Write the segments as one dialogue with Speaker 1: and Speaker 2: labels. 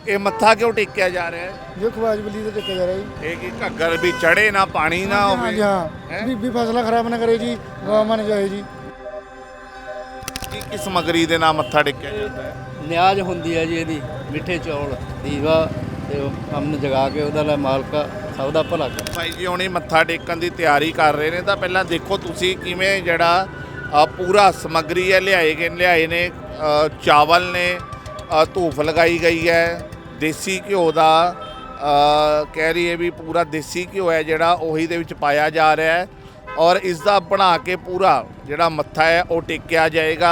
Speaker 1: ਇਹ ਮੱਥਾ ਕਿਉਂ ਟੇਕਿਆ ਜਾ ਰਿਹਾ ਹੈ?
Speaker 2: ਜੋ ਖਵਾਜ ਬਲੀ ਤੇ ਟੇਕਿਆ ਜਾ ਰਿਹਾ ਜੀ।
Speaker 1: ਇਹ ਕਿ ਘੱਗਰ ਵੀ ਚੜੇ ਨਾ ਪਾਣੀ ਨਾ
Speaker 2: हाँ
Speaker 1: ਹੋਵੇ।
Speaker 2: जी हाँ भी फसला खराब ना करे जी, गौ मन जाए जी।
Speaker 1: ਕੀ ਸਮਗਰੀ ਦੇ ਨਾਲ ਮੱਥਾ ਟੇਕਿਆ ਜਾਂਦਾ ਹੈ?
Speaker 3: ਨਿਆਜ਼ ਹੁੰਦੀ ਹੈ ਜੀ ਇਹਦੀ, ਮਿੱਠੇ ਚੌਲ ਦੀਵਾ ਤੇ ਅਮਨ ਜਗਾ ਕੇ ਉਹਦਾ ਲੈ ਮਾਲਕਾ ਸਭ ਦਾ ਭਲਾ ਕਰ।
Speaker 1: ਭਾਈ ਜੀ ਹੁਣੀ ਮੱਥਾ ਟੇਕਣ ਦੀ ਤਿਆਰੀ ਕਰ ਰਹੇ ਨੇ, ਤਾਂ ਪਹਿਲਾਂ ਦੇਖੋ ਤੁਸੀਂ ਕਿਵੇਂ ਜਿਹੜਾ ਪੂਰਾ ਸਮਗਰੀ ਹੈ ਲਿਆਏ ਨੇ। ਚਾਵਲ ਨੇ, ਧੂਫ ਲਗਾਈ ਗਈ ਹੈ, ਦੇਸੀ ਘਿਓ ਦਾ ਕਹਿ ਰਹੀ ਹੈ ਵੀ ਪੂਰਾ ਦੇਸੀ ਘਿਓ ਹੈ ਜਿਹੜਾ ਉਹੀ ਦੇ ਵਿੱਚ ਪਾਇਆ ਜਾ ਰਿਹਾ ਹੈ ਔਰ ਇਸ ਦਾ ਬਣਾ ਕੇ ਪੂਰਾ ਜਿਹੜਾ ਮੱਥਾ ਹੈ ਉਹ ਟੇਕਿਆ ਜਾਏਗਾ।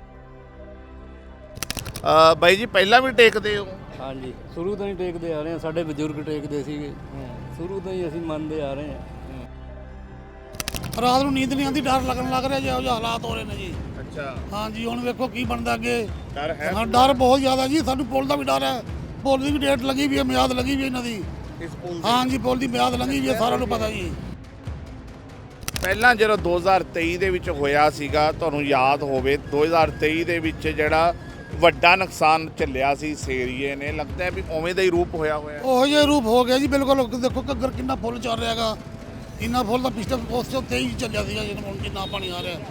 Speaker 1: ਬਾਈ ਜੀ ਪਹਿਲਾਂ ਵੀ ਟੇਕਦੇ ਹੋ?
Speaker 3: ਹਾਂਜੀ, ਸ਼ੁਰੂ ਤੋਂ ਹੀ ਟੇਕਦੇ ਆ ਰਹੇ ਹਾਂ, ਸਾਡੇ ਬਜ਼ੁਰਗ ਟੇਕਦੇ ਸੀਗੇ, ਸ਼ੁਰੂ ਤੋਂ ਹੀ ਅਸੀਂ ਮੰਨਦੇ ਆ ਰਹੇ ਹਾਂ।
Speaker 4: ਰਾਤ ਨੂੰ ਨੀਂਦ ਨਹੀਂ ਆਉਂਦੀ, ਡਰ ਲੱਗਣ ਲੱਗ ਰਿਹਾ, ਜਿਹੋ ਜਿਹੇ ਹਾਲਾਤ ਹੋ ਰਹੇ ਨੇ ਜੀ।
Speaker 1: ਅੱਛਾ,
Speaker 4: ਹਾਂਜੀ, ਹੁਣ ਵੇਖੋ ਕੀ ਬਣਦਾ ਅੱਗੇ।
Speaker 1: ਡਰ ਹੈ?
Speaker 4: ਹਾਂ, ਡਰ ਬਹੁਤ ਜ਼ਿਆਦਾ ਜੀ। ਸਾਨੂੰ ਪੁਲ ਦਾ ਵੀ ਡਰ ਹੈ, ਪੁਲ ਦੀ ਵੀ ਡੇਟ ਲੱਗੀ ਵੀ ਹੈ, ਮਿਆਦ ਲੱਗੀ ਵੀ ਹੈ ਇਹਨਾਂ ਦੀ।
Speaker 1: ਇਸ ਪੁਲ ਦੀ?
Speaker 4: ਹਾਂਜੀ, ਪੁਲ ਦੀ ਮਿਆਦ ਲੱਗੀ ਵੀ ਹੈ, ਸਾਰਿਆਂ ਨੂੰ ਪਤਾ ਜੀ।
Speaker 1: ਪਹਿਲਾਂ ਜਦੋਂ 2023 ਦੇ ਵਿੱਚ ਹੋਇਆ ਸੀਗਾ, ਤੁਹਾਨੂੰ ਯਾਦ ਹੋਵੇ 2023 ਦੇ ਵਿੱਚ ਜਿਹੜਾ ਵੱਡਾ ਨੁਕਸਾਨ ਝੱਲਿਆ ਸੀ ਇਸ ਏਰੀਏ ਨੇ, ਲੱਗਦਾ ਹੈ ਵੀ ਉਵੇਂ ਦਾ ਹੀ ਰੂਪ ਹੋਇਆ
Speaker 4: ਉਹੋ ਜਿਹਾ ਰੂਪ ਹੋ ਗਿਆ ਜੀ ਬਿਲਕੁਲ। ਦੇਖੋ ਘੱਗਰ ਕਿੰਨਾ ਫੁੱਲ ਚੱਲ ਰਿਹਾ ਹੈਗਾ, ਇੰਨਾ ਫੁੱਲ ਤਾਂ ਪਿਛਲੇ ਉਸ ਤੋਂ 23 ਚੱਲਿਆ ਸੀਗਾ, ਜਿਹਨੂੰ ਹੁਣ ਜਿੰਨਾ ਪਾਣੀ ਆ ਰਿਹਾ।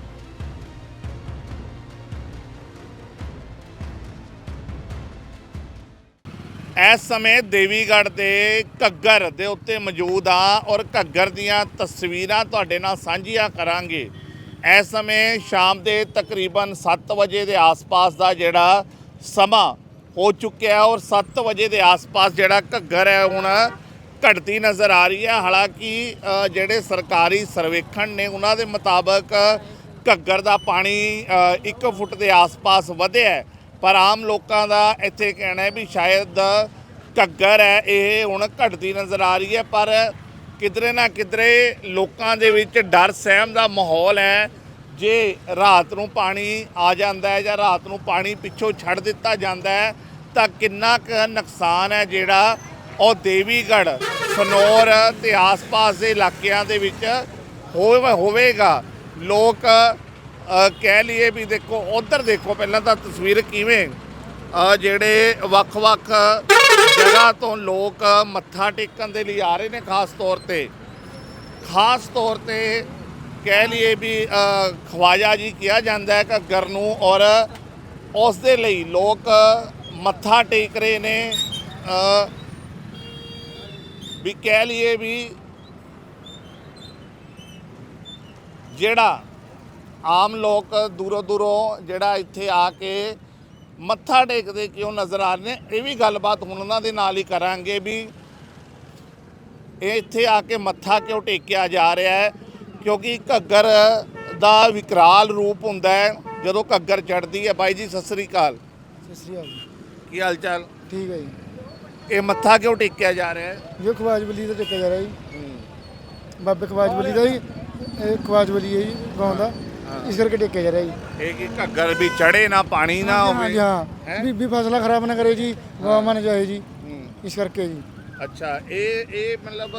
Speaker 1: ਇਸ ਸਮੇਂ ਦੇਵੀਗੜ੍ਹ ਦੇ ਘੱਗਰ ਦੇ ਉੱਤੇ ਮੌਜੂਦ ਆ ਔਰ ਘੱਗਰ ਦੀਆਂ ਤਸਵੀਰਾਂ ਤੁਹਾਡੇ ਨਾਲ ਸਾਂਝੀਆਂ ਕਰਾਂਗੇ। ਇਸ ਸਮੇਂ ਸ਼ਾਮ ਦੇ ਤਕਰੀਬਨ 7 ਵਜੇ ਦੇ ਆਸ-ਪਾਸ ਦਾ ਜਿਹੜਾ ਸਮਾਂ ਹੋ ਚੁੱਕਿਆ ਔਰ 7 ਵਜੇ ਦੇ ਆਸ-ਪਾਸ ਜਿਹੜਾ ਘੱਗਰ ਹੈ ਹੁਣ ਘਟਦੀ ਨਜ਼ਰ ਆ ਰਹੀ ਹੈ। ਹਾਲਾਂਕਿ ਜਿਹੜੇ ਸਰਕਾਰੀ ਸਰਵੇਖਣ ਨੇ ਉਹਨਾਂ ਦੇ ਮੁਤਾਬਕ ਘੱਗਰ ਦਾ ਪਾਣੀ 1 ਫੁੱਟ ਦੇ ਆਸ-ਪਾਸ ਵਧਿਆ ਹੈ, ਪਰ ਆਮ ਲੋਕਾਂ ਦਾ ਇੱਥੇ ਕਹਿਣਾ ਹੈ ਵੀ ਸ਼ਾਇਦ ਘੱਗਰ ਹੈ ਇਹ ਹੁਣ ਘਟਦੀ ਨਜ਼ਰ ਆ ਰਹੀ ਹੈ। ਪਰ ਕਿਧਰੇ ਨਾ ਕਿਧਰੇ ਲੋਕਾਂ ਦੇ ਵਿੱਚ ਡਰ ਸਹਿਮ ਦਾ ਮਾਹੌਲ ਹੈ। ਜੇ ਰਾਤ ਨੂੰ ਪਾਣੀ ਆ ਜਾਂਦਾ ਹੈ ਜਾਂ ਰਾਤ ਨੂੰ ਪਾਣੀ ਪਿੱਛੋਂ ਛੱਡ ਦਿੱਤਾ ਜਾਂਦਾ ਹੈ ਤਾਂ ਕਿੰਨਾ ਕੁ ਨੁਕਸਾਨ ਹੈ ਜਿਹੜਾ ਉਹ ਦੇਵੀਗੜ੍ਹ, ਸਨੌਰ ਤੇ ਆਸ-ਪਾਸ ਦੇ ਇਲਾਕਿਆਂ ਦੇ ਵਿੱਚ ਹੋਵੇਗਾ। ਲੋਕ ਕਹਿ ਲਈਏ ਵੀ ਦੇਖੋ ਉਧਰ ਦੇਖੋ ਪਹਿਲਾਂ ਤਾਂ ਤਸਵੀਰ ਕਿਵੇਂ ਜਿਹੜੇ ਵੱਖ-ਵੱਖ ਜਗ੍ਹਾ ਤੋਂ ਲੋਕ ਮੱਥਾ ਟੇਕਣ ਦੇ ਲਈ ਆ ਰਹੇ ਨੇ। ਖਾਸ ਤੌਰ ਤੇ ਕਹਿ ਲਈਏ ਵੀ ਖਵਾਜਾ ਜੀ ਕਿਹਾ ਜਾਂਦਾ ਹੈ ਘੱਗਰ ਨੂੰ, ਔਰ ਉਸ ਦੇ ਲਈ ਲੋਕ ਮੱਥਾ ਟੇਕ ਰਹੇ ਨੇ। ਵੀ ਕਹਿ ਲਈਏ ਵੀ ਜਿਹੜਾ ਆਮ ਲੋਕ ਦੂਰੋਂ ਜਿਹੜਾ ਇੱਥੇ ਆ ਕੇ ਮੱਥਾ ਟੇਕਦੇ ਕਿਉਂ ਨਜ਼ਰ ਆ ਰਹੇ ਨੇ, ਇਹ ਵੀ ਗੱਲਬਾਤ ਹੁਣ ਉਹਨਾਂ ਦੇ ਨਾਲ ਹੀ ਕਰਾਂਗੇ ਵੀ ਇਹ ਇੱਥੇ ਆ ਕੇ ਮੱਥਾ ਕਿਉਂ ਟੇਕਿਆ ਜਾ ਰਿਹਾ ਹੈ। ਕਿਉਂਕਿ ਘੱਗਰ ਦਾ ਵਿਕਰਾਲ ਰੂਪ ਹੁੰਦਾ ਹੈ ਜਦੋਂ ਘੱਗਰ ਚੜ੍ਹਦੀ ਹੈ। ਬਾਈ ਜੀ ਸਤਿ ਸ੍ਰੀ ਅਕਾਲ।
Speaker 2: सत श्री अकाल जी।
Speaker 1: ਕੀ ਹਾਲ ਚਾਲ?
Speaker 2: ठीक है जी।
Speaker 1: ਇਹ ਮੱਥਾ ਕਿਉਂ ਟੇਕਿਆ ਜਾ ਰਿਹਾ ਹੈ?
Speaker 2: जो खवाज बली ਤੇ ਟੇਕਿਆ ਜਾ ਰਿਹਾ ਜੀ। ਬਾਬੇ ਖਵਾਜ ਬਲੀ ਦਾ ਜੀ, ਇਹ ਖਵਾਜ ਬਲੀ ਹੈ ਜੀ ਗਾਉਂ ਦਾ, ਇਸ ਕਰਕੇ ਟੇਕਿਆ ਜਾ ਰਿਹਾ ਜੀ।
Speaker 1: ਇਹ ਕਿ ਘੱਗਰ ਵੀ ਚੜੇ ਨਾ ਪਾਣੀ ਨਾ
Speaker 2: हाँ
Speaker 1: ਹੋਵੇ।
Speaker 2: जी हाँ भी फसला खराब ना करे जी, गौ मन जाए जी, इस करके जी।
Speaker 1: ਅੱਛਾ, ਇਹ ਮਤਲਬ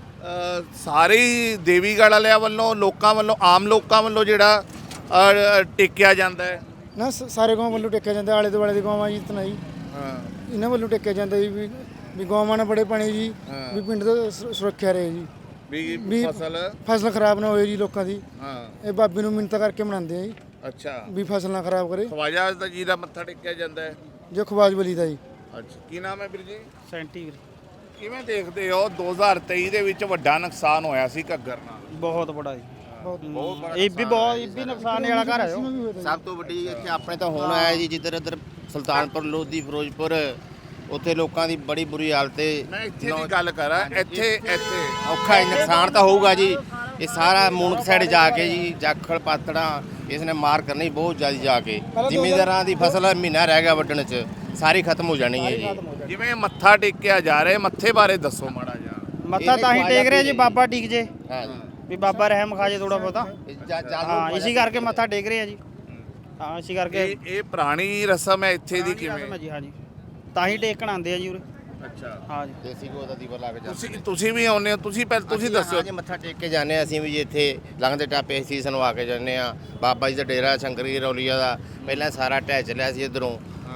Speaker 1: ਸਾਰੇ ਹੀ ਦੇਵੀਗੜ੍ਹ ਵਾਲਿਆਂ ਵੱਲੋਂ, ਲੋਕਾਂ ਵੱਲੋਂ, ਆਮ ਲੋਕਾਂ ਵੱਲੋਂ ਜਿਹੜਾ ਟੇਕਿਆ ਜਾਂਦਾ ਹੈ।
Speaker 2: ਨਾ ਸਾਰੇ ਗਾਉਂ ਵੱਲੋਂ ਟੇਕਿਆ ਜਾਂਦਾ, ਆਲੇ ਦੁਆਲੇ ਦੇ ਗਾਵਾਂ ਜੀ ਇਤਨਾ ਜੀ,
Speaker 1: ਹਾਂ,
Speaker 2: ਇਹਨਾਂ ਵੱਲੋਂ ਟੇਕਿਆ ਜਾਂਦਾ ਜੀ ਵੀ ਗਾਵਾਂ ਨਾਲ ਬੜੇ ਪਾਣੀ ਜੀ, ਵੀ ਪਿੰਡ ਦਾ ਸੁਰੱਖਿਆ ਰਹੇ ਜੀ,
Speaker 1: ਵੀ
Speaker 2: ਫਸਲ ਖਰਾਬ ਨਾ ਹੋਏ ਜੀ ਲੋਕਾਂ ਦੀ।
Speaker 1: ਹਾਂ,
Speaker 2: ਇਹ ਬਾਬੇ ਨੂੰ ਮਿੰਨਤਾਂ ਕਰਕੇ ਮਨਾਉਂਦੇ ਆ ਜੀ
Speaker 1: ਅੱਛਾ,
Speaker 2: ਵੀ ਫਸਲ ਨਾ ਖਰਾਬ ਕਰੇ।
Speaker 1: ਖਵਾਜਾ ਜੀ ਦਾ ਮੱਥਾ ਟੇਕਿਆ ਜਾਂਦਾ ਹੈ।
Speaker 2: ਜੋ ਖਵਾਜ ਬਲੀ ਦਾ ਜੀ।
Speaker 1: ਅੱਛਾ, ਕੀ ਨਾਮ ਹੈ ਵੀਰ ਜੀ?
Speaker 4: ਸੈਂਟੀ
Speaker 1: ਕਿਵੇਂ ਦੇਖਦੇ ਹੋ 2023 ਦੇ ਵਿੱਚ ਵੱਡਾ ਨੁਕਸਾਨ ਹੋਇਆ ਸੀ ਘੱਗਰ ਨਾਲ?
Speaker 4: ਬਹੁਤ ਬੜਾ ਜੀ,
Speaker 1: ਬਹੁਤ ਬੜਾ
Speaker 4: ਇਹ ਵੀ ਨੁਕਸਾਨ ਵਾਲਾ ਘਰ ਹੈ।
Speaker 5: ਸਭ ਤੋਂ ਵੱਡੀ ਇੱਥੇ ਆਪਣੇ ਤਾਂ ਹੁਣ ਆਇਆ ਜੀ, ਜਿੱਧਰ ਇੱਧਰ ਸੁਲਤਾਨਪੁਰ ਲੋਧੀ, ਫਿਰੋਜ਼ਪੁਰ, ਉੱਥੇ ਲੋਕਾਂ ਦੀ ਬੜੀ ਬੁਰੀ ਹਾਲਤ ਹੈ।
Speaker 1: ਮੈਂ ਇੱਥੇ ਦੀ ਗੱਲ ਕਰਾਂ, ਇੱਥੇ
Speaker 5: ਔਖਾ ਨੁਕਸਾਨ ਤਾਂ ਹੋਊਗਾ ਜੀ। ਇਹ ਸਾਰਾ ਮੂਨਕ ਸਾਈਡ ਜਾ ਕੇ ਜੀ, ਜਾਖਲ ਪਾਤੜਾ, ਇਸ ਨੇ ਮਾਰ ਕਰਨੀ ਬਹੁਤ ਜ਼ਿਆਦਾ ਜਾ ਕੇ। ਜ਼ਿਮੀਂਦਾਰਾਂ ਦੀ ਫਸਲ ਮਹੀਨਾ ਰਹਿ ਗਿਆ ਵੱਢਣ 'ਚ, ਸਾਰੀ ਖਤਮ ਹੋ ਜਾਣੀ ਹੈ ਜੀ।
Speaker 1: ਜਿਵੇਂ ਮੱਥਾ ਟੇਕਿਆ ਜਾ ਰਿਹਾ, ਮੱਥੇ ਬਾਰੇ ਦੱਸੋ ਮਾੜਾ ਜਿਹਾ।
Speaker 4: ਮੱਥਾ ਤਾਂ ਹੀ ਟੇਕ ਰਿਹਾ ਜੀ, ਬਾਬਾ ਟਿਕ ਜੇ,
Speaker 5: ਹਾਂ ਜੀ,
Speaker 4: ਵੀ ਬਾਬਾ ਰਹਿਮ ਖਾ ਜੇ ਥੋੜਾ ਬਹੁਤਾ। ਹਾਂ, ਇਸੇ ਕਰਕੇ ਮੱਥਾ ਟੇਕ ਰਹੇ ਆ ਜੀ। ਹਾਂ, ਇਸੇ ਕਰਕੇ
Speaker 1: ਇਹ ਪੁਰਾਣੀ ਰਸਮ ਹੈ ਇੱਥੇ ਦੀ ਕਿਵੇਂ?
Speaker 4: ਜੀ ਹਾਂ ਜੀ, ਤਾਂ ਹੀ ਟੇਕਣ ਆਉਂਦੇ ਆ ਜੀ ਉਰੇ।
Speaker 1: ਅੱਛਾ,
Speaker 4: ਹਾਂ ਜੀ,
Speaker 5: ਦੇਸੀ ਘਿਓ ਦਾ ਦੀਵਾ ਲੱਗ ਜਾਂਦਾ।
Speaker 1: ਤੁਸੀਂ ਵੀ ਆਉਂਦੇ ਹੋ? ਤੁਸੀਂ ਦੱਸੋ
Speaker 5: ਜੀ, ਮੱਥਾ ਟੇਕ ਕੇ ਜਾਂਦੇ ਹਾਂ ਅਸੀਂ ਵੀ ਜੀ। ਇੱਥੇ ਲੰਘਦੇ ਟਾਪੇ ਸੀਸ ਨਵਾ ਕੇ ਜਾਂਦੇ ਆ। ਬਾਬਾ ਜੀ ਦਾ ਡੇਰਾ ਸ਼ੰਕਰੀ ਰੌਲੀਆ ਦਾ ਪਹਿਲਾਂ ਸਾਰਾ ਢਹਿ ਚੱਲਿਆ ਸੀ ਇੱਧਰੋਂ,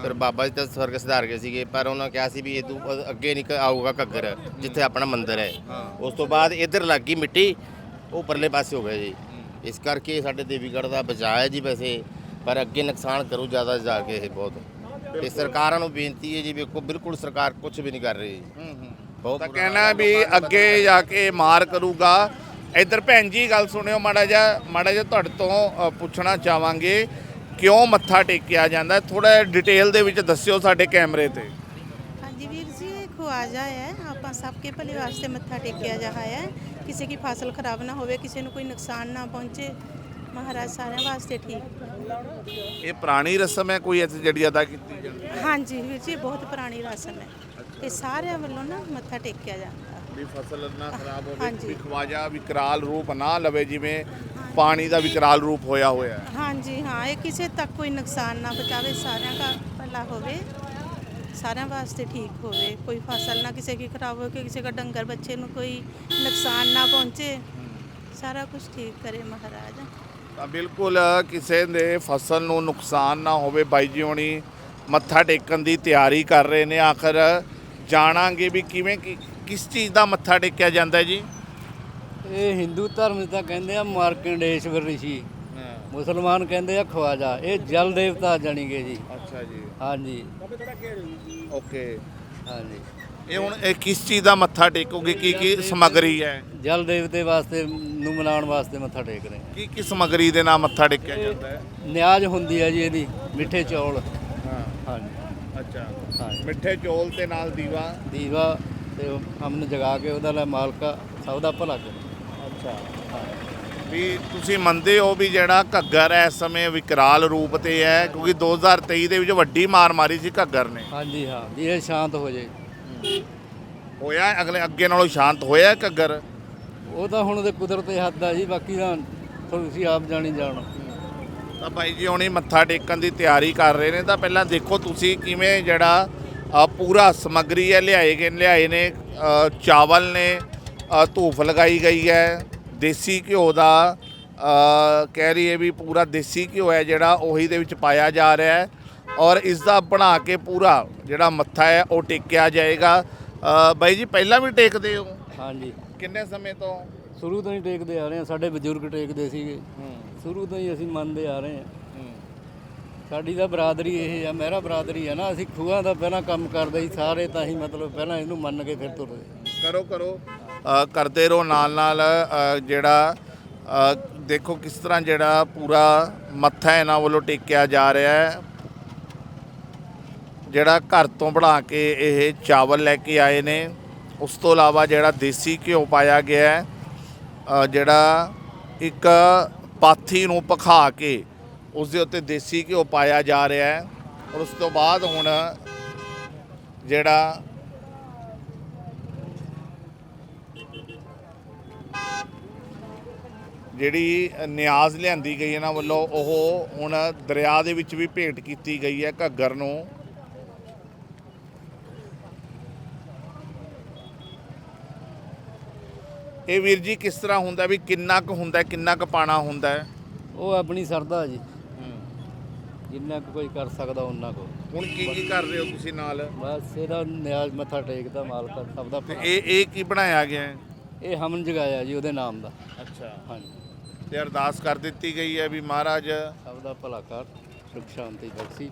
Speaker 5: ਫਿਰ ਬਾਬਾ ਜੀ ਤਾਂ ਸਵਰਗ ਸਿਧਾਰ ਗਏ ਸੀਗੇ, ਪਰ ਉਹਨਾਂ ਕਿਹਾ ਸੀ ਵੀ ਇਹ ਤੋਂ ਅੱਗੇ ਨਹੀਂ ਆਊਗਾ ਘੱਗਰ, ਜਿੱਥੇ ਆਪਣਾ ਮੰਦਿਰ ਹੈ। ਉਸ ਤੋਂ ਬਾਅਦ ਇੱਧਰ ਲੱਗ ਗਈ ਮਿੱਟੀ, ਉਹ ਪਰਲੇ ਪਾਸੇ ਹੋ ਗਿਆ ਜੀ। ਇਸ ਕਰਕੇ ਸਾਡੇ ਦੇਵੀਗੜ੍ਹ ਦਾ ਬਚਾਅ ਹੈ ਜੀ ਵੈਸੇ, ਪਰ ਅੱਗੇ ਨੁਕਸਾਨ ਕਰੂ ਜ਼ਿਆਦਾ ਜਾ ਕੇ ਇਹ ਬਹੁਤ। ਤੇ ਸਰਕਾਰਾਂ ਨੂੰ ਬੇਨਤੀ ਹੈ ਜੀ, ਵੇਖੋ ਬਿਲਕੁਲ ਸਰਕਾਰ ਕੁਝ ਵੀ ਨਹੀਂ ਕਰ ਰਹੀ। ਬਹੁਤ
Speaker 1: ਤਾਂ
Speaker 5: ਬੁਰਾ
Speaker 1: ਕਹਿਣਾ ਵੀ ਅੱਗੇ ਜਾ ਕੇ ਮਾਰ ਕਰੂਗਾ। ਇੱਧਰ ਭੈਣ ਜੀ ਗੱਲ ਸੁਣਿਓ ਮਾੜਾ ਜਿਹਾ ਤੁਹਾਡੇ ਤੋਂ ਪੁੱਛਣਾ ਚਾਹਾਂਗੇ, ਕਿਉਂ ਮੱਥਾ ਟੇਕਿਆ ਜਾਂਦਾ? ਥੋੜਾ ਡਿਟੇਲ ਦੇ ਵਿੱਚ ਦੱਸਿਓ ਸਾਡੇ ਕੈਮਰੇ ਤੇ।
Speaker 6: ਹਾਂਜੀ ਵੀਰ ਜੀ, ਇਹ ਖਵਾਜਾ ਹੈ, ਆਪਾਂ ਸਭ ਕੇ ਭਲੇ ਵਾਸਤੇ ਮੱਥਾ ਟੇਕਿਆ ਜਾ ਹੈ। ਕਿਸੇ ਦੀ ਫਸਲ ਖਰਾਬ ਨਾ ਹੋਵੇ, ਕਿਸੇ ਨੂੰ ਕੋਈ ਨੁਕਸਾਨ ਨਾ ਪਹੁੰਚੇ, ਮਹਾਰਾਜ ਸਾਰਿਆਂ ਵਾਸਤੇ ਠੀਕ।
Speaker 1: ਇਹ ਪੁਰਾਣੀ ਰਸਮ ਹੈ ਕੋਈ ਇੱਥੇ ਜਿਹੜੀ ਅਦਾ ਕੀਤੀ ਜਾਂਦੀ ਹੈ?
Speaker 6: ਹਾਂਜੀ ਵੀਰ ਜੀ, ਬਹੁਤ ਪੁਰਾਣੀ ਰਸਮ ਹੈ ਤੇ ਸਾਰਿਆਂ ਵੱਲੋਂ ਨਾ ਮੱਥਾ ਟੇਕਿਆ ਜਾਂਦਾ।
Speaker 1: ਵੀ ਫਸਲ ਨਾ ਖਰਾਬ ਹੋਵੇ,
Speaker 6: ਹਾਂਜੀ।
Speaker 1: ਵੀ ਖਵਾਜਾ ਵਿਕਰਾਲ ਰੂਪ ਨਾ ਲਵੇ, ਜਿਵੇਂ ਪਾਣੀ ਦਾ ਵਿਕਰਾਲ ਰੂਪ ਹੋਇਆ ਹੈ।
Speaker 6: ਹਾਂਜੀ ਹਾਂ, ਇਹ ਕਿਸੇ ਤੱਕ ਕੋਈ ਨੁਕਸਾਨ ਨਾ ਪਹੁੰਚਾਵੇ, ਸਾਰਿਆਂ ਦਾ ਭਲਾ ਹੋਵੇ, ਸਾਰਿਆਂ ਵਾਸਤੇ ਠੀਕ ਹੋਵੇ। ਕੋਈ ਫਸਲ ਨਾ ਕਿਸੇ ਦੀ ਖਰਾਬ ਹੋ ਕੇ ਕਿਸੇ ਦਾ ਡੰਗਰ ਬੱਚੇ ਨੂੰ ਕੋਈ ਨੁਕਸਾਨ ਨਾ ਪਹੁੰਚੇ, ਸਾਰਾ ਕੁਝ ਠੀਕ ਕਰੇ ਮਹਾਰਾਜ।
Speaker 1: ਤਾਂ ਬਿਲਕੁਲ ਕਿਸੇ ਦੇ ਫਸਲ ਨੂੰ ਨੁਕਸਾਨ ਨਾ ਹੋਵੇ। ਬਾਈ ਜੀ ਹੋਣੀ ਮੱਥਾ ਟੇਕਣ ਦੀ ਤਿਆਰੀ ਕਰ ਰਹੇ ਨੇ। ਆਖਰ ਜਾਣਾਂਗੇ ਵੀ ਕਿਵੇਂ ਕਿਸ ਚੀਜ਼ ਦਾ ਮੱਥਾ ਟੇਕਿਆ ਜਾਂਦਾ ਜੀ?
Speaker 3: ਇਹ ਹਿੰਦੂ ਧਰਮ 'ਚ ਤਾਂ ਕਹਿੰਦੇ ਆ ਮਾਰਕੰਡੇਸ਼ਵਰ ਰਿਸ਼ੀ, ਮੁਸਲਮਾਨ ਕਹਿੰਦੇ ਆ ਖਵਾਜਾ। ਇਹ ਜਲ ਦੇਵਤਾ ਜਾਣੀਗੇ ਜੀ।
Speaker 1: ਅੱਛਾ ਜੀ,
Speaker 3: ਹਾਂਜੀ
Speaker 1: ਓਕੇ।
Speaker 3: ਹਾਂਜੀ,
Speaker 1: ਇਹ ਹੁਣ ਇਹ ਕਿਸ ਚੀਜ਼ ਦਾ ਮੱਥਾ ਟੇਕੋਗੇ? ਕੀ ਸਮੱਗਰੀ ਹੈ?
Speaker 3: ਜਲ ਦੇਵਤੇ ਵਾਸਤੇ ਨੂੰ ਮਨਾਉਣ ਵਾਸਤੇ ਮੱਥਾ ਟੇਕ ਰਹੇ ਆ।
Speaker 1: ਕੀ ਸਮੱਗਰੀ ਦੇ ਨਾਲ ਮੱਥਾ ਟੇਕਿਆ ਜਾਂਦਾ ਹੈ?
Speaker 3: ਨਿਆਜ਼ ਹੁੰਦੀ ਹੈ ਜੀ ਇਹਦੀ, ਮਿੱਠੇ ਚੌਲ।
Speaker 1: ਹਾਂ,
Speaker 3: ਹਾਂਜੀ
Speaker 1: ਅੱਛਾ।
Speaker 3: ਹਾਂਜੀ,
Speaker 1: ਮਿੱਠੇ ਚੌਲ ਤੇ ਨਾਲ ਦੀਵਾ।
Speaker 3: ਦੀਵਾ ਤੇ ਹਮਨ ਜਗਾ ਕੇ ਉਹਦਾ ਲੈ ਮਾਲਕਾ ਸਭ ਦਾ ਭਲਾ ਕਰੇ।
Speaker 1: ਅੱਛਾ, ਵੀ ਤੁਸੀਂ ਮੰਨਦੇ ਹੋ ਵੀ ਜਿਹੜਾ ਘੱਗਰ ਹੈ ਇਸ ਸਮੇਂ ਵਿਕਰਾਲ ਰੂਪ ਤੇ ਹੈ, ਕਿਉਂਕਿ 2023 ਦੇ ਵਿੱਚ ਵੱਡੀ ਮਾਰ ਮਾਰੀ ਸੀ ਘੱਗਰ ਨੇ।
Speaker 3: ਹਾਂਜੀ ਹਾਂ, ਵੀ ਇਹ ਸ਼ਾਂਤ ਹੋ ਜੇ।
Speaker 1: ਹੋਇਆ ਅੱਗੇ ਨਾਲੋਂ ਸ਼ਾਂਤ ਹੋਇਆ ਘੱਗਰ?
Speaker 3: ਉਹ ਤਾਂ ਹੁਣ ਉਹਦੇ ਕੁਦਰਤ ਦੇ ਹੱਥ ਆ ਜੀ, ਬਾਕੀ ਤਾਂ ਤੁਸੀਂ ਆਪ ਜਾਣੀ ਜਾਣੋ।
Speaker 1: ਤਾਂ ਬਾਈ ਜੀ ਹੁਣੀ ਮੱਥਾ ਟੇਕਣ ਦੀ ਤਿਆਰੀ ਕਰ ਰਹੇ ਨੇ। ਤਾਂ ਪਹਿਲਾਂ ਦੇਖੋ ਤੁਸੀਂ ਕਿਵੇਂ ਜਿਹੜਾ ਪੂਰਾ ਸਮੱਗਰੀ ਹੈ ਲਿਆਏ ਨੇ। ਚਾਵਲ ਨੇ, ਧੂਫ ਲਗਾਈ ਗਈ ਹੈ, ਦੇਸੀ ਘਿਓ ਦਾ ਕਹਿ ਰਹੀ ਹੈ ਵੀ ਪੂਰਾ ਦੇਸੀ ਘਿਓ ਹੈ ਜਿਹੜਾ ਉਹੀ ਦੇ ਵਿੱਚ ਪਾਇਆ ਜਾ ਰਿਹਾ ਹੈ, ਔਰ ਇਸ ਦਾ ਬਣਾ ਕੇ ਪੂਰਾ ਜਿਹੜਾ ਮੱਥਾ ਹੈ ਉਹ ਟੇਕਿਆ ਜਾਏਗਾ। ਬਾਈ ਜੀ ਪਹਿਲਾਂ ਵੀ ਟੇਕਦੇ ਹੋ?
Speaker 3: ਹਾਂਜੀ,
Speaker 1: ਕਿੰਨੇ ਸਮੇਂ ਤੋਂ?
Speaker 3: ਸ਼ੁਰੂ ਤੋਂ ਹੀ ਟੇਕਦੇ ਆ ਰਹੇ ਹਾਂ। ਸਾਡੇ ਬਜ਼ੁਰਗ ਟੇਕਦੇ ਸੀਗੇ, ਸ਼ੁਰੂ ਤੋਂ ਹੀ ਅਸੀਂ ਮੰਨਦੇ ਆ ਰਹੇ ਹਾਂ। ਸਾਡੀ ਤਾਂ ਬਰਾਦਰੀ ਇਹ ਆ, ਮਹਿਰਾ ਬਰਾਦਰੀ ਆ ਨਾ। ਅਸੀਂ ਖੂਹਾਂ ਦਾ ਪਹਿਲਾਂ ਕੰਮ ਕਰਦੇ ਸੀ ਸਾਰੇ, ਤਾਂ ਹੀ ਮਤਲਬ ਪਹਿਲਾਂ ਇਹਨੂੰ ਮੰਨ ਕੇ ਫਿਰ ਤੁਰਦੇ।
Speaker 1: ਕਰੋ ਕਰਦੇ ਰਹੋ ਨਾਲ ਜਿਹੜਾ ਦੇਖੋ ਕਿਸ ਤਰ੍ਹਾਂ ਜਿਹੜਾ ਪੂਰਾ ਮੱਥਾ ਇਹਨਾਂ ਵੱਲੋਂ ਟੇਕਿਆ ਜਾ ਰਿਹਾ ਹੈ। ਜਿਹੜਾ ਘਰ ਤੋਂ ਬਣਾ ਕੇ ਇਹ ਚਾਵਲ ਲੈ ਕੇ ਆਏ ਨੇ, ਉਸ ਤੋਂ ਇਲਾਵਾ ਜਿਹੜਾ ਦੇਸੀ ਘਿਓ ਪਾਇਆ ਗਿਆ ਹੈ, ਜਿਹੜਾ ਇੱਕ ਪਾਥੀ ਨੂੰ ਭਖਾ ਕੇ ਉਸ ਦੇ ਉੱਤੇ ਦੇਸੀ ਘਿਓ ਪਾਇਆ ਜਾ ਰਿਹਾ ਹੈ। ਔਰ ਉਸ ਤੋਂ ਬਾਅਦ ਹੁਣ ਜਿਹੜਾ ਜਿਹੜੀ ਨਿਆਜ਼ ਲਿਆਂਦੀ ਗਈ ਇਹਨਾਂ ਵੱਲੋਂ, ਉਹ ਹੁਣ ਦਰਿਆ ਦੇ ਵਿੱਚ ਵੀ ਭੇਟ ਕੀਤੀ ਗਈ ਹੈ ਘੱਗਰ ਨੂੰ। ਇਹ ਵੀਰ ਜੀ ਕਿਸ ਤਰ੍ਹਾਂ ਹੁੰਦਾ, ਵੀ ਕਿੰਨਾ ਕੁ ਹੁੰਦਾ, ਕਿੰਨਾ ਕੁ ਪਾਣਾ ਹੁੰਦਾ ਹੈ?
Speaker 3: ਉਹ ਆਪਣੀ ਸਰਦਾ ਜੀ, ਜਿੰਨਾ ਕੁ ਕੋਈ ਕਰ ਸਕਦਾ ਉਹਨਾਂ ਕੋ।
Speaker 1: ਹੁਣ ਕੀ ਕਰ ਰਹੇ ਹੋ ਤੁਸੀਂ ਨਾਲ?
Speaker 3: ਬਸ ਇਹਦਾ ਨਿਆਜ਼ ਮੱਥਾ ਟੇਕਦਾ ਮਾਲਕਾ ਸਭ ਦਾ
Speaker 1: ਤੇ
Speaker 3: ਭਲਾ।
Speaker 1: ਇਹ ਕੀ ਬਣਾਇਆ ਗਿਆ ਹੈ?
Speaker 3: ਇਹ ਹਮਨ ਜਗਾਇਆ ਜੀ ਉਹਦੇ ਨਾਮ ਦਾ।
Speaker 1: ਅੱਛਾ,
Speaker 3: ਹਾਂਜੀ,
Speaker 1: ਤੇ ਅਰਦਾਸ ਕਰ ਦਿੱਤੀ ਗਈ ਹੈ ਵੀ ਮਹਾਰਾਜ
Speaker 3: ਸਭ ਦਾ ਭਲਾ ਕਰ, ਸੁਖ ਸ਼ਾਂਤੀ ਬਖਸ਼ੀ।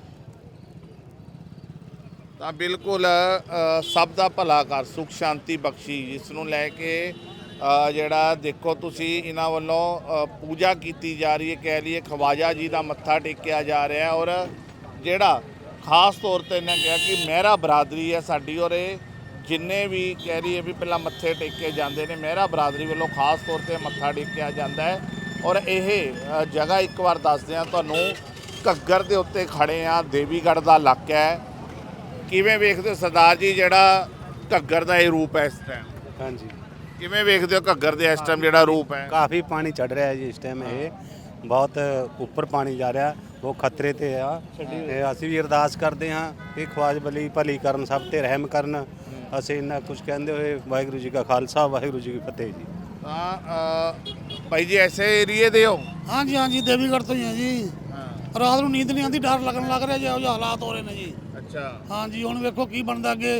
Speaker 1: ਤਾਂ ਬਿਲਕੁਲ ਸਭ ਦਾ ਭਲਾ ਕਰ, ਸੁਖ ਸ਼ਾਂਤੀ ਬਖਸ਼ੀ, ਜਿਸ ਨੂੰ ਲੈ ਕੇ ਜਿਹੜਾ ਦੇਖੋ ਤੁਸੀਂ ਇਹਨਾਂ ਵੱਲੋਂ ਪੂਜਾ ਕੀਤੀ ਜਾ ਰਹੀ ਹੈ। ਕਹਿ ਲਈਏ ਖਵਾਜਾ ਜੀ ਦਾ ਮੱਥਾ ਟੇਕਿਆ ਜਾ ਰਿਹਾ ਹੈ। ਔਰ ਜਿਹੜਾ ਖਾਸ ਤੌਰ ਤੇ ਇਹਨਾਂ ਕਿਹਾ ਕਿ ਮਹਿਰਾ ਬਰਾਦਰੀ ਹੈ ਸਾਡੀ, ਔਰ ਇਹ ਜਿੰਨੇ ਵੀ ਕਹਿ ਲਈਏ ਵੀ ਪਹਿਲਾਂ ਮੱਥੇ ਟੇਕੇ ਜਾਂਦੇ ਨੇ, ਮਹਿਰਾ ਬਰਾਦਰੀ ਵੱਲੋਂ ਖਾਸ ਤੌਰ ਤੇ ਮੱਥਾ ਟੇਕਿਆ ਜਾਂਦਾ ਹੈ। ਔਰ ਇਹ ਜਗ੍ਹਾ ਇੱਕ ਵਾਰ ਦੱਸਦੇ ਹਾਂ ਤੁਹਾਨੂੰ, ਘੱਗਰ ਦੇ ਉੱਤੇ ਖੜੇ ਆ, ਦੇਵੀਗੜ੍ਹ ਦਾ ਇਲਾਕਾ ਹੈ। ਕਿਵੇਂ ਵੇਖਦੇ ਹੋ ਸਰਦਾਰ ਜੀ ਜਿਹੜਾ ਘੱਗਰ ਦਾ ਇਹ ਰੂਪ ਹੈ ਇਸ ਟਾਈਮ?
Speaker 7: ਹਾਂਜੀ,
Speaker 1: ਕਿਵੇਂ ਵੇਖਦੇ ਹੋ ਘੱਗਰ ਦੇ ਇਸ ਟਾਈਮ ਜਿਹੜਾ ਰੂਪ ਹੈ?
Speaker 7: ਕਾਫੀ ਪਾਣੀ ਚੜ ਰਿਹਾ ਹੈ ਜੀ ਇਸ ਟਾਈਮ। ਇਹ ਬਹੁਤ ਉੱਪਰ ਪਾਣੀ ਜਾ ਰਿਹਾ, ਉਹ ਖਤਰੇ ਤੇ ਆ। ਤੇ ਅਸੀਂ ਵੀ ਅਰਦਾਸ ਕਰਦੇ ਹਾਂ ਕਿ ਖਵਾਜ ਬਲੀ ਭਲੀ ਕਰਨ, ਸਭ ਤੇ ਰਹਿਮ ਕਰਨ। ਅਸੀਂ ਇੰਨਾ ਕੁਝ ਕਹਿੰਦੇ ਹੋਏ ਵਾਹਿਗੁਰੂ ਜੀ ਕਾ ਖਾਲਸਾ, ਵਾਹਿਗੁਰੂ ਜੀ ਕੀ ਫਤਿਹ ਜੀ।
Speaker 1: ਤਾਂ ਭਾਈ ਜੀ ਐਸੇ ਏਰੀਏ ਦੇ ਹੋ?
Speaker 4: ਹਾਂਜੀ ਹਾਂਜੀ, ਦੇਵੀਗੜ੍ਹ ਤੋਂ ਹੀ ਹਾਂ ਜੀ। ਰਾਤ ਨੂੰ ਨੀਂਦ ਨਹੀਂ ਆਉਂਦੀ, ਡਰ ਲੱਗਣ ਲੱਗ ਰਿਹਾ ਜੀ, ਇਹੋ ਜਿਹੇ ਹਾਲਾਤ ਹੋ ਰਹੇ ਨੇ ਜੀ।
Speaker 1: ਅੱਛਾ,
Speaker 4: ਹਾਂਜੀ ਹੁਣ ਵੇਖੋ ਕੀ ਬਣਦਾ ਅੱਗੇ।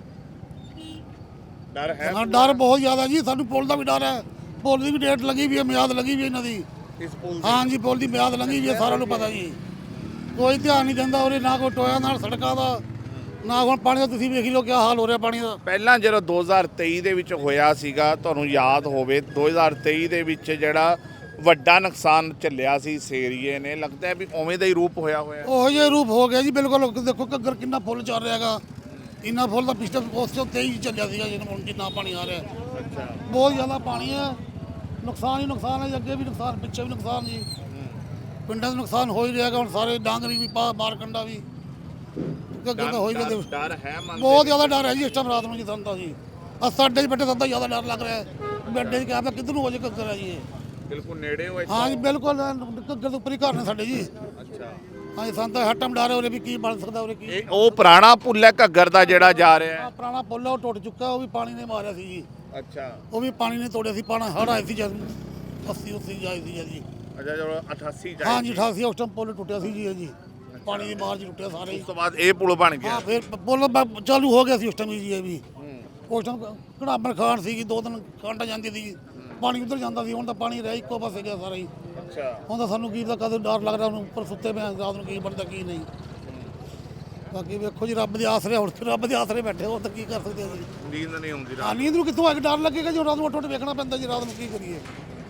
Speaker 1: ਡਰ ਹੈ
Speaker 4: ਹਾਂ ਡਰ ਬਹੁਤ ਜ਼ਿਆਦਾ ਜੀ, ਸਾਨੂੰ ਪੁਲ ਦਾ ਵੀ ਡਰ ਹੈ। ਪੁਲ ਦੀ ਵੀ ਡੇਟ ਲੱਗੀ ਵੀ ਹੈ, ਮਿਆਦ ਲੱਗੀ ਵੀ ਇਹਨਾਂ ਦੀ।
Speaker 1: ਇਸ ਪੁਲ
Speaker 4: ਹਾਂਜੀ ਪੁਲ ਦੀ ਮਿਆਦ ਲੰਘੀ ਵੀ ਹੈ, ਸਾਰਿਆਂ ਨੂੰ ਪਤਾ ਜੀ। ਕੋਈ ਧਿਆਨ ਨਹੀਂ ਦਿੰਦਾ ਉਰੇ, ਨਾ ਕੋਈ ਟੋਇਆ ਨਾਲ ਸੜਕਾਂ ਦਾ, ਨਾ ਹੁਣ ਪਾਣੀ ਦਾ। ਤੁਸੀਂ ਵੇਖ ਲਓ ਕੀ ਹਾਲ ਹੋ ਰਿਹਾ ਪਾਣੀ ਦਾ।
Speaker 1: ਪਹਿਲਾਂ ਜਦੋਂ 2023 ਦੇ ਵਿੱਚ ਹੋਇਆ ਸੀਗਾ, ਤੁਹਾਨੂੰ ਯਾਦ ਹੋਵੇ 2023 ਦੇ ਵਿੱਚ ਜਿਹੜਾ ਵੱਡਾ ਨੁਕਸਾਨ ਚੱਲਿਆ ਸੀ ਇਸ ਏਰੀਏ ਨੇ, ਲੱਗਦਾ ਹੈ ਵੀ ਉਵੇਂ ਦਾ ਹੀ ਰੂਪ ਹੋਇਆ ਹੋਇਆ।
Speaker 4: ਉਹੋ ਜਿਹਾ ਰੂਪ ਹੋ ਗਿਆ ਜੀ ਬਿਲਕੁਲ। ਦੇਖੋ ਘੱਗਰ ਕਿੰਨਾ ਫੁੱਲ ਚੱਲ ਰਿਹਾ ਹੈਗਾ, ਇੰਨਾ ਫੁੱਲ ਤਾਂ ਪਿਛਲੇ ਉਸ ਤੋਂ 23 ਚੱਲਿਆ ਸੀਗਾ ਹੁਣ ਜਿੰਨਾ ਪਾਣੀ ਆ ਰਿਹਾ।
Speaker 1: ਅੱਛਾ,
Speaker 4: ਬਹੁਤ ਜ਼ਿਆਦਾ ਪਾਣੀ ਹੈ, ਨੁਕਸਾਨ ਹੀ ਨੁਕਸਾਨ ਹੈ ਜੀ, ਅੱਗੇ ਵੀ ਨੁਕਸਾਨ ਪਿੱਛੇ ਵੀ ਨੁਕਸਾਨ ਜੀ। ਪਿੰਡਾਂ ਦਾ ਨੁਕਸਾਨ ਹੋ ਹੀ ਰਿਹਾ ਹੈਗਾ ਹੁਣ, ਸਾਰੇ ਡਾਂਗਰੀ ਵੀ ਮਾਰਕੰਡਾ ਵੀ ਘੱਗਰ ਤਾਂ ਹੋ ਹੀ ਰਿਹਾ।
Speaker 1: ਡਰ ਹੈ ਮਨ
Speaker 4: ਬਹੁਤ ਜ਼ਿਆਦਾ ਡਰ ਹੈ ਜੀ ਇਸ ਟਾਈਮ ਰਾਤ ਨੂੰ ਜੀ, ਸਾਨੂੰ ਤਾਂ ਜੀ ਸਾਡੇ 'ਚ ਬੈਠੇ ਸਾਨੂੰ ਤਾਂ ਜ਼ਿਆਦਾ ਡਰ ਲੱਗ ਰਿਹਾ ਹੈ। ਬੈੱਡੇ 'ਚ ਕਿਹਾ ਪਿਆ ਕਿੱਧਰ ਨੂੰ ਹੋ ਜੇ ਘੱਗਰ ਹੈ ਜੀ ਇਹ।
Speaker 1: ਬਿਲਕੁਲ ਨੇੜੇ ਹੋਏ।
Speaker 4: ਹਾਂ ਜੀ ਬਿਲਕੁਲ, ਘੱਗਰ ਤੋਂ ਉੱਪਰ ਹੀ ਘਰ ਨੇ ਸਾਡੇ ਜੀ।
Speaker 1: ਅੱਛਾ,
Speaker 4: ਹਾਂਜੀ ਸਾਨੂੰ ਤਾਂ ਹਰ ਟਾਈਮ ਡਰ ਹੈ ਉਰੇ ਵੀ ਕੀ ਬਣ ਸਕਦਾ ਉਰੇ ਕੀ।
Speaker 1: ਇਹ ਉਹ ਪੁਰਾਣਾ ਪੁੱਲ ਹੈ ਘੱਗਰ ਦਾ ਜਿਹੜਾ ਜਾ ਰਿਹਾ
Speaker 4: ਆਹ
Speaker 1: ਹੈ।
Speaker 4: ਪੁਰਾਣਾ ਪੁੱਲ ਹੈ, ਉਹ ਟੁੱਟ ਚੁੱਕਾ, ਉਹ ਵੀ ਪਾਣੀ ਨੇ ਮਾਰਿਆ ਸੀ ਜੀ।
Speaker 1: ਅੱਛਾ,
Speaker 4: ਉਹ ਵੀ ਪਾਣੀ ਨੇ ਤੋੜਿਆ ਸੀ, ਪਾਣੀ ਹੜ੍ਹ ਆਏ ਸੀ ਜਦ 80 ਜਾਈ ਸੀ ਜੀ।
Speaker 1: ਅੱਛਾ, ਜਦੋਂ 88 ਜਾਏ
Speaker 4: ਹਾਂਜੀ 88 ਉਸ ਟਾਈਮ ਪੁੱਲ ਟੁੱਟਿਆ ਸੀ ਜੀ ਇਹ ਜੀ, ਪਾਣੀ ਦੀ ਮਾਰ 'ਚ ਟੁੱਟਿਆ ਸਾਰੇ ਹੀ।
Speaker 1: ਉਸ ਤੋਂ ਬਾਅਦ ਇਹ ਪੁਲ ਬਣ ਗਿਆ।
Speaker 4: ਹਾਂ ਫਿਰ ਪੁੱਲ ਚਾਲੂ ਹੋ ਗਿਆ ਸੀ ਉਸ ਟਾਈਮ ਜੀ ਇਹ ਵੀ। ਉਸ ਟਾਈਮ ਘੜਾਬਣ ਖਾਨ ਸੀਗੀ, 2 ਦਿਨ ਕਾਂਟਾ ਜਾਂਦੀ ਸੀ, ਪਾਣੀ ਉੱਧਰ ਜਾਂਦਾ ਸੀ। ਹੁਣ ਤਾਂ ਪਾਣੀ ਰਹਿ ਇੱਕੋ ਪਾਸੇ ਗਿਆ ਸਾਰਾ ਹੀ।
Speaker 1: ਅੱਛਾ,
Speaker 4: ਹੁਣ ਤਾਂ ਸਾਨੂੰ ਕੀ ਦਾ ਕਦੇ ਡਰ ਲੱਗਦਾ, ਹੁਣ ਉੱਪਰ ਸੁੱਤੇ ਪਏ ਰਾਤ ਨੂੰ ਕੀ ਬਣਦਾ ਕੀ ਨਹੀਂ। ਬਾਕੀ ਵੇਖੋ ਜੀ ਰੱਬ ਦੇ ਆਸਰੇ, ਹੁਣ ਰੱਬ ਦੇ ਆਸਰੇ ਬੈਠੇ ਹੋ ਤਾਂ ਕੀ ਕਰ ਸਕਦੇ ਹਾਂ ਜੀ।
Speaker 1: ਨੀਂਦ ਨਹੀਂ ਆਉਂਦੀ
Speaker 4: ਹਾਂ
Speaker 1: ਰਾਤ।
Speaker 4: ਨੀਂਦ ਨੂੰ ਕਿੱਥੋਂ ਆ ਕੇ ਡਰ ਲੱਗੇਗਾ ਜੀ, ਰਾਤ ਨੂੰ ਉੱਠ ਵੇਖਣਾ ਪੈਂਦਾ ਜੀ, ਰਾਤ ਨੂੰ ਕੀ ਕਰੀਏ।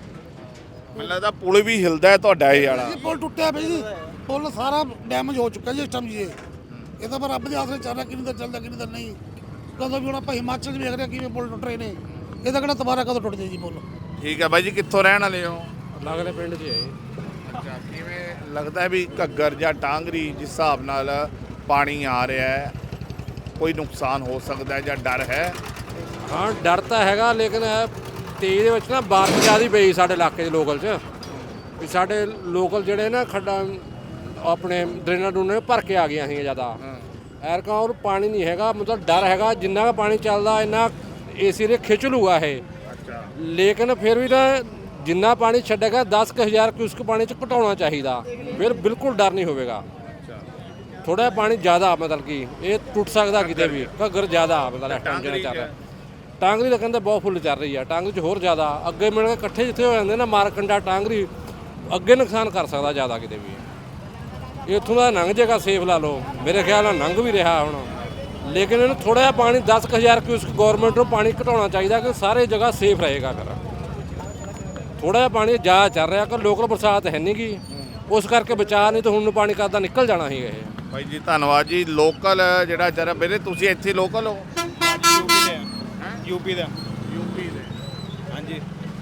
Speaker 1: ਮੈਨੂੰ ਲੱਗਦਾ ਪੁਲ ਵੀ ਹਿਲਦਾ ਹੈ ਤੁਹਾਡਾ ਇਹ ਵਾਲਾ।
Speaker 4: ਇਹ ਪੁਲ ਟੁੱਟਿਆ ਪਿਆ ਜੀ, ਪੁਲ ਸਾਰਾ ਡੈਮੇਜ ਹੋ ਚੁੱਕਾ ਜੀ ਇਸ ਟਾਈਮ ਜੀ ਇਹ ਤਾਂ ਪਰ ਰੱਬ ਦੇ ਆਸਰੇ ਚੱਲ ਰਿਹਾ, ਕਿੰਨੀ ਤਾਂ ਚੱਲਦਾ ਕਿੰਨੀ ਤਾਂ ਨਹੀਂ। ਕਦੋਂ ਵੀ ਹੁਣ ਆਪਾਂ ਹਿਮਾਚਲ 'ਚ ਵੇਖ ਰਹੇ ਕਿਵੇਂ ਪੁਲ ਟੁੱਟ ਰਹੇ ਨੇ, ਇਹਦਾ ਕਿਹੜਾ ਦੁਬਾਰਾ ਕਦੋਂ ਟੁੱਟ ਜਾਏ ਜੀ ਪੁਲ।
Speaker 1: ਠੀਕ ਹੈ ਬਾਈ ਜੀ, ਕਿੱਥੋਂ ਰਹਿਣ ਵਾਲੇ ਹੋ?
Speaker 3: ਲੱਗਦੇ ਪਿੰਡ 'ਚ ਹੈ।
Speaker 1: ਅੱਛਾ, ਕਿਵੇਂ ਲੱਗਦਾ ਹੈ ਵੀ ਘੱਗਰ ਜਾਂ ਟਾਂਗਰੀ ਜਿਸ ਹਿਸਾਬ ਨਾਲ ਪਾਣੀ ਆ ਰਿਹਾ ਹੈ, ਕੋਈ ਨੁਕਸਾਨ ਹੋ ਸਕਦਾ ਹੈ ਜਾਂ ਡਰ ਹੈ?
Speaker 8: ਹਾਂ ਡਰ ਤਾਂ ਹੈਗਾ, ਲੇਕਿਨ ਤੇਜ਼ ਦੇ ਵਿੱਚ ਨਾ ਬਾਰਿਸ਼ ਜ਼ਿਆਦਾ ਪਈ ਸਾਡੇ ਇਲਾਕੇ ਦੇ ਲੋਕਲ 'ਚ, ਵੀ ਸਾਡੇ ਲੋਕਲ ਜਿਹੜੇ ਨਾ ਖੱਡਾਂ ਆਪਣੇ ਡਰੇਨਾਂ ਡਰੂਨਾਂ ਭਰ ਕੇ ਆ ਗਈਆਂ ਸੀ ਜ਼ਿਆਦਾ। ਐਰਕਾਂ ਉਹ ਪਾਣੀ ਨਹੀਂ ਹੈਗਾ, ਮਤਲਬ ਡਰ ਹੈਗਾ ਜਿੰਨਾ ਕੁ ਪਾਣੀ ਚੱਲਦਾ ਇੰਨਾ ਏਸੀ ਦੇ ਖਿੱਚ ਲੂਗਾ ਇਹ। ਲੇਕਿਨ ਫਿਰ ਵੀ ਨਾ ਜਿੰਨਾ ਪਾਣੀ ਛੱਡੇਗਾ 10,000 ਕਿਊਸਕ ਪਾਣੀ 'ਚ ਘਟਾਉਣਾ ਚਾਹੀਦਾ, ਫਿਰ ਬਿਲਕੁਲ ਡਰ ਨਹੀਂ ਹੋਵੇਗਾ। ਥੋੜਾ ਪਾਣੀ ਜ਼ਿਆਦਾ ਮਤਲਬ ਕਿ ਇਹ ਟੁੱਟ ਸਕਦਾ ਕਿਤੇ ਵੀ, ਘੱਗਰ ਜ਼ਿਆਦਾ ਮਤਲਬ ਇਸ ਟਾਈਮ ਜਿਹੜਾ ਚੱਲ ਰਿਹਾ। ਟਾਂਗਰੀ ਤਾਂ ਕਹਿੰਦੇ ਬਹੁਤ ਫੁੱਲ ਚੱਲ ਰਹੀ ਆ, ਟਾਂਗਰੀ 'ਚ ਹੋਰ ਜ਼ਿਆਦਾ ਅੱਗੇ ਮਿਲ ਕੇ ਇਕੱਠੇ ਜਿੱਥੇ ਹੋ ਜਾਂਦੇ ਨਾ ਮਾਰਕੰਡਾ ਟਾਂਗਰੀ, ਅੱਗੇ ਨੁਕਸਾਨ ਕਰ ਸਕਦਾ ਜ਼ਿਆਦਾ ਕਿਤੇ ਵੀ। ਇੱਥੋਂ ਦਾ ਲੰਘ ਜਾਏਗਾ ਸੇਫ ਲਾ ਲਓ, ਮੇਰੇ ਖਿਆਲ ਨਾਲ ਲੰਘ ਵੀ ਰਿਹਾ ਹੁਣ। ਲੇਕਿਨ ਇਹਨੂੰ ਥੋੜਾ ਜਿਹਾ ਪਾਣੀ 10,000 ਕਿਊਸਕ ਗੌਰਮੈਂਟ ਨੂੰ ਪਾਣੀ ਘਟਾਉਣਾ ਚਾਹੀਦਾ ਕਿ ਸਾਰੇ ਜਗ੍ਹਾ ਸੇਫ ਰਹੇਗਾ। ਫਿਰ ਥੋੜਾ ਜਿਹਾ ਪਾਣੀ ਜ਼ਿਆਦਾ ਚੱਲ ਰਿਹਾ ਕਿ ਲੋਕਲ ਬਰਸਾਤ ਹੈ ਨਹੀਂ ਗੀ, ਉਸ ਕਰਕੇ ਬਚਾ, ਨਹੀਂ ਤਾਂ ਹੁਣ ਨੂੰ ਪਾਣੀ ਕਰਦਾ ਨਿਕਲ ਜਾਣਾ ਸੀ ਇਹ।
Speaker 1: ਬਾਈ ਜੀ ਧੰਨਵਾਦ ਜੀ। ਲੋਕਲ ਜਿਹੜਾ ਜਰਾ ਵੀਰੇ ਤੁਸੀਂ ਇੱਥੇ ਲੋਕਲ ਹੋ?
Speaker 9: ਯੂਪੀ ਦੇ
Speaker 1: ਹਾਂਜੀ,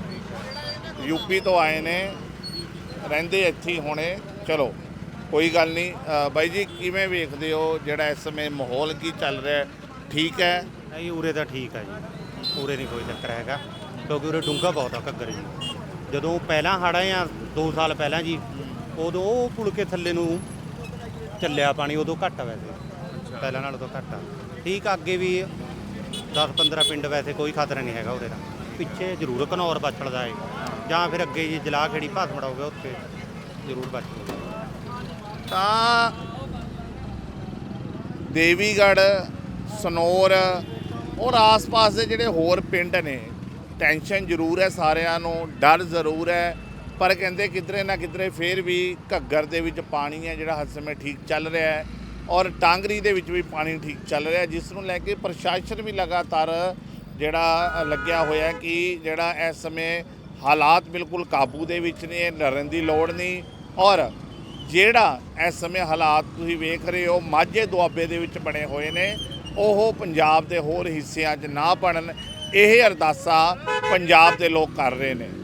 Speaker 1: ਯੂਪੀ ਤੋਂ ਆਏ ਨੇ, ਰਹਿੰਦੇ ਇੱਥੇ ਹੀ ਹੋਣੇ। ਚਲੋ ਕੋਈ ਗੱਲ ਨਹੀਂ। ਬਾਈ ਜੀ ਕਿਵੇਂ ਵੇਖਦੇ ਹੋ ਜਿਹੜਾ ਇਸ ਸਮੇਂ ਮਾਹੌਲ ਕੀ ਚੱਲ ਰਿਹਾ, ਠੀਕ ਹੈ?
Speaker 9: ਨਹੀਂ ਉਰੇ ਤਾਂ ਠੀਕ ਆ ਜੀ, ਉਰੇ ਨਹੀਂ ਕੋਈ ਚੱਕਰ ਹੈਗਾ, ਕਿਉਂਕਿ ਉਰੇ ਡੂੰਘਾ ਬਹੁਤ ਆ ਘੱਗਰ ਜੀ। ਜਦੋਂ ਪਹਿਲਾਂ ਹੜ੍ਹ ਆਏ ਆ 2 ਸਾਲ ਪਹਿਲਾਂ ਜੀ, ਉਦੋਂ ਉਹ ਪੁਲ ਕੇ ਥੱਲੇ ਨੂੰ ਚੱਲਿਆ ਪਾਣੀ, ਉਦੋਂ ਘੱਟ ਆ ਵੈਸੇ, ਪਹਿਲਾਂ ਨਾਲੋਂ ਤਾਂ ਘੱਟ ਆ। ਠੀਕ ਆ, ਅੱਗੇ ਵੀ 10-15 ਪਿੰਡ ਵੈਸੇ ਕੋਈ ਖਤਰਾ ਨਹੀਂ ਹੈਗਾ ਉਰੇ ਦਾ। ਪਿੱਛੇ ਜ਼ਰੂਰ ਘਨੌਰ ਬਚੜਦਾ ਹੈ, ਜਾਂ ਫਿਰ ਅੱਗੇ ਜੀ ਜਲਾਹ ਖੇੜੀ ਭਾਸਮੜਾ ਹੋ ਗਿਆ, ਉੱਥੇ ਜ਼ਰੂਰ ਬਚਦਾ।
Speaker 1: ਤਾਂ ਦੇਵੀਗੜ੍ਹ, ਸਨੌਰ ਔਰ ਆਸ-ਪਾਸ ਦੇ ਜਿਹੜੇ ਹੋਰ ਪਿੰਡ ਨੇ, ਟੈਨਸ਼ਨ ਜ਼ਰੂਰ ਹੈ ਸਾਰਿਆਂ ਨੂੰ, ਡਰ ਜ਼ਰੂਰ ਹੈ, ਪਰ ਕਹਿੰਦੇ ਕਿਧਰੇ ਨਾ ਕਿਧਰੇ ਫਿਰ ਵੀ ਘੱਗਰ ਦੇ ਵਿੱਚ ਪਾਣੀ ਹੈ ਜਿਹੜਾ ਹਰ ਸਮੇਂ ਠੀਕ ਚੱਲ ਰਿਹਾ ਹੈ, ਔਰ ਟਾਂਗਰੀ ਦੇ ਵਿੱਚ ਵੀ ਪਾਣੀ ਠੀਕ ਚੱਲ ਰਿਹਾ, ਜਿਸ ਨੂੰ ਲੈ ਕੇ ਪ੍ਰਸ਼ਾਸਨ ਵੀ ਲਗਾਤਾਰ ਜਿਹੜਾ ਲੱਗਿਆ ਹੋਇਆ ਕਿ ਜਿਹੜਾ ਇਸ ਸਮੇਂ ਹਾਲਾਤ ਬਿਲਕੁਲ ਕਾਬੂ ਦੇ ਵਿੱਚ ਨੇ, ਡਰਨ ਦੀ ਲੋੜ ਨਹੀਂ। ਔਰ ਜਿਹੜਾ ਇਸ ਸਮੇਂ ਹਾਲਾਤ ਤੁਸੀਂ ਵੇਖ ਰਹੇ ਹੋ ਮਾਝੇ ਦੁਆਬੇ ਦੇ ਵਿੱਚ ਬਣੇ ਹੋਏ ਨੇ, ਉਹ ਪੰਜਾਬ ਦੇ ਹੋਰ ਹਿੱਸਿਆਂ 'ਚ ਨਾ ਬਣਨ, ਇਹ ਅਰਦਾਸਾਂ ਪੰਜਾਬ ਦੇ ਲੋਕ ਕਰ ਰਹੇ ਨੇ।